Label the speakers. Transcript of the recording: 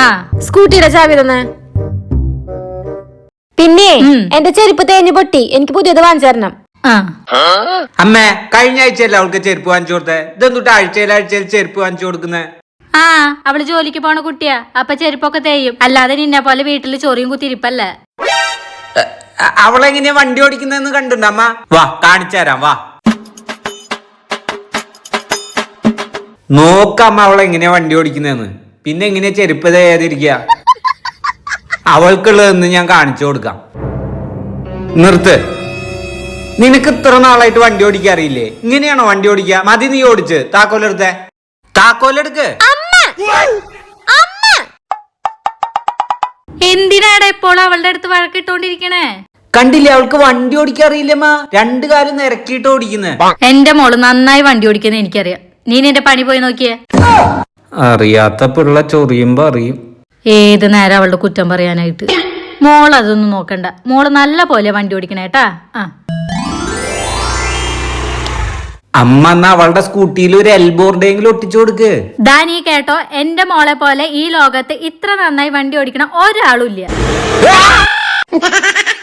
Speaker 1: സ്കൂട്ടിയുടെ ചാവി തന്നെ. പിന്നെ എന്റെ ചെരുപ്പ് തേഞ്ഞു പൊട്ടി, എനിക്ക് പുതിയത് വാങ്ങിച്ചു തരണം.
Speaker 2: അമ്മ കഴിഞ്ഞ ആഴ്ചയല്ല അവൾക്ക് ചെരുപ്പ് വാങ്ങിച്ചു കൊടുത്തേ, ഇതെന്തുട്ട് ആഴ്ചയിൽ ചെരുപ്പ് വാങ്ങിച്ചു കൊടുക്കുന്നേ?
Speaker 3: അവള് ജോലിക്ക് പോണ കുട്ടിയാ, അപ്പൊ ചെരുപ്പൊക്കെ തേയും. അല്ലാതെ നിന്നെ പോലെ വീട്ടില് ചൊറിയും കുത്തിരിപ്പല്ലേ.
Speaker 2: അവളെങ്ങനെയാ വണ്ടി ഓടിക്കുന്നതെന്ന് കണ്ടുണ്ടോ അമ്മ? വാ കാണിച്ചു തരാം, വാ നോക്കമ്മ അവളെങ്ങനെയാ വണ്ടി ഓടിക്കുന്നതെന്ന്. പിന്നെ എങ്ങനെയാ ചെരുപ്പ് തേയാതിരിക്കുക? അവൾക്കുള്ളതെന്ന് ഞാൻ കാണിച്ചു കൊടുക്കാം. നിർത്ത്. നിനക്ക് ഇത്ര നാളായിട്ട് വണ്ടി ഓടിക്കാൻ അറിയില്ലേ? ഇങ്ങനെയാണോ വണ്ടി ഓടിക്കുക? മതി നീ ഓടിച്ച്. താക്കോലെടുത്തേ, താക്കോലെടുക്ക്.
Speaker 3: എന്തിനാടാ ഇപ്പോൾ അവളുടെ അടുത്ത് വഴക്കിട്ടോണ്ടിരിക്കണേ?
Speaker 2: കണ്ടില്ലേ, അവൾക്ക് വണ്ടി ഓടിക്കാൻ അറിയില്ലമ്മ. രണ്ടു കാലം നിരക്കിയിട്ട് ഓടിക്കുന്നത്.
Speaker 3: എന്റെ മോള് നന്നായി വണ്ടി ഓടിക്കുന്ന എനിക്കറിയാം. നീ നിന്റെ പണി പോയി നോക്കിയേ.
Speaker 2: അറിയാത്ത പിള്ള ചൊറിയുമ്പോ അറിയും.
Speaker 3: ഏത് നേരം അവളുടെ കുറ്റം പറയാനായിട്ട്. മോൾ അതൊന്നും നോക്കണ്ട, മോള് നല്ല പോലെ വണ്ടി ഓടിക്കണേട്ടാ.
Speaker 2: അമ്മ എന്നാ അവളുടെ സ്കൂട്ടിയിൽ ഒരു എൽബോർഡെങ്കിലും ഒട്ടിച്ചു കൊടുക്ക്.
Speaker 3: നീ കേട്ടോ, എന്റെ മോളെ പോലെ ഈ ലോകത്ത് ഇത്ര നന്നായി വണ്ടി ഓടിക്കണ ഒരാളും ഇല്ല.